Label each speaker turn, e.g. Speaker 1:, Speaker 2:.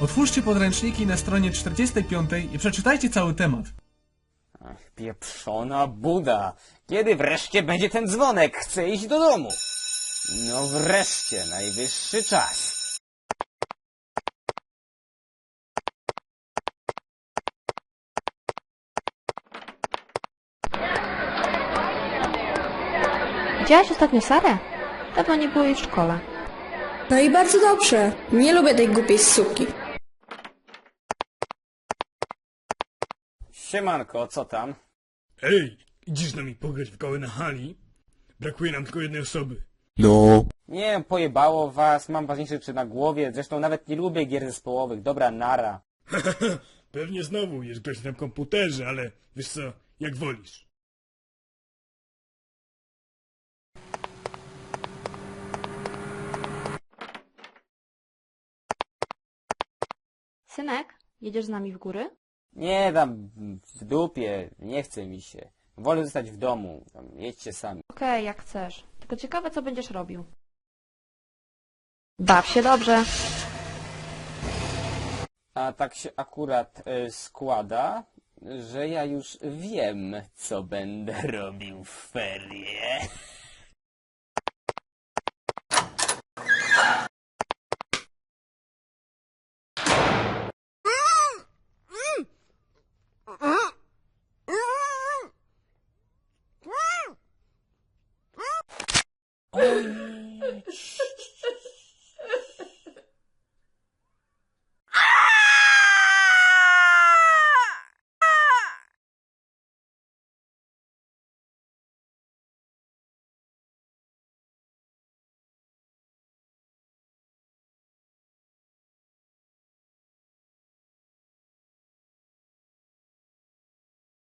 Speaker 1: Otwórzcie podręczniki na stronie 45 i przeczytajcie cały temat.
Speaker 2: Ach, pieprzona Buda. Kiedy wreszcie będzie ten dzwonek? Chcę iść do domu. No wreszcie, najwyższy czas.
Speaker 3: Widziałaś ostatnio Sarę? Dawno nie było jej w szkole.
Speaker 4: No i bardzo dobrze. Nie lubię tej głupiej suki.
Speaker 2: Siemanko, co tam?
Speaker 5: Ej, idziesz z nami pograć w koły na hali? Brakuje nam tylko jednej osoby.
Speaker 2: Nie, pojebało was, mam ważniejsze rzeczy na głowie, zresztą nawet nie lubię gier zespołowych, dobra, nara.
Speaker 5: Pewnie znowu jest grać na komputerze, ale wiesz co, jak wolisz.
Speaker 3: Synek, jedziesz z nami w góry?
Speaker 2: Nie, tam w dupie, nie chce mi się. Wolę zostać w domu, tam, jedźcie sami.
Speaker 3: Okej, jak chcesz. Tylko ciekawe, co będziesz robił. Baw się dobrze.
Speaker 2: A tak się akurat składa, że ja już wiem, co będę robił w ferie. O